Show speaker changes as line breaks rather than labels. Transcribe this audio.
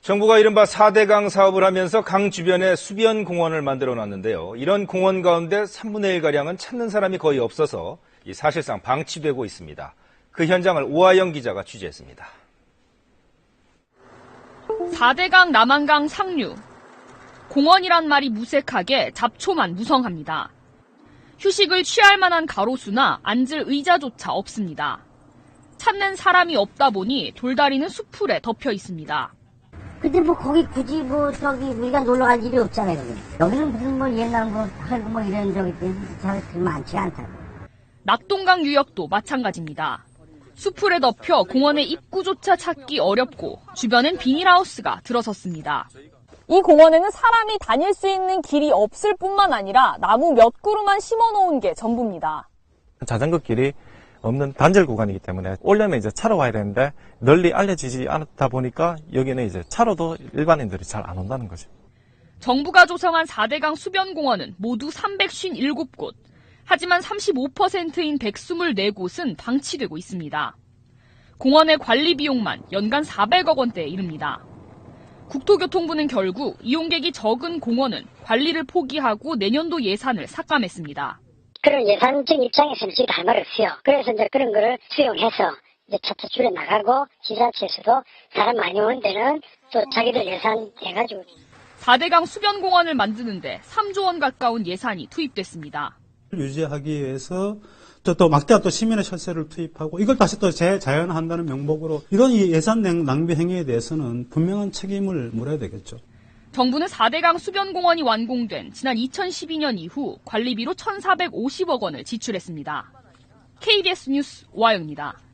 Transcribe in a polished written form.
정부가 이른바 4대강 사업을 하면서 강 주변에 수변 공원을 만들어 놨는데요. 이런 공원 가운데 3분의 1가량은 찾는 사람이 거의 없어서 사실상 방치되고 있습니다. 그 현장을 오하영 기자가 취재했습니다.
4대강 남한강 상류. 공원이란 말이 무색하게 잡초만 무성합니다. 휴식을 취할 만한 가로수나 앉을 의자조차 없습니다. 찾는 사람이 없다 보니 돌다리는 수풀에 덮여 있습니다.
근데 거기 굳이 우리가 놀러 갈 일이 없잖아요. 여기는 무슨 옛날 하고 이런 잘 많지 않다고.
낙동강 유역도 마찬가지입니다. 수풀에 덮여 공원의 입구조차 찾기 어렵고 주변엔 비닐하우스가 들어섰습니다.
이 공원에는 사람이 다닐 수 있는 길이 없을 뿐만 아니라 나무 몇 그루만 심어놓은 게 전부입니다.
자전거 길이 없는 단절 구간이기 때문에 오려면 이제 차로 와야 되는데 널리 알려지지 않다 보니까 여기는 이제 차로도 일반인들이 잘 안 온다는 거죠.
정부가 조성한 4대강 수변공원은 모두 357곳. 하지만 35%인 124곳은 방치되고 있습니다. 공원의 관리 비용만 연간 400억 원대에 이릅니다. 국토교통부는 결국 이용객이 적은 공원은 관리를 포기하고 내년도 예산을 삭감했습니다.
그런 예산적 입장에서는 저희도 할 말 없어요. 그래서 이제 그런 거를 수용해서 이제 차차 줄여 나가고 지자체에서도 사람 많이 오는 데는 또 자기들 예산 해가지고
4대강 수변공원을 만드는데 3조 원 가까운 예산이 투입됐습니다.
유지하기 위해서 또 막대한 또 시민의 혈세를 투입하고 이걸 다시 또 재자연화한다는 명목으로 이런 예산 낭비 행위에 대해서는 분명한 책임을 물어야 되겠죠.
정부는 4대강 수변공원이 완공된 지난 2012년 이후 관리비로 1,450억 원을 지출했습니다. KBS 뉴스 오하영입니다.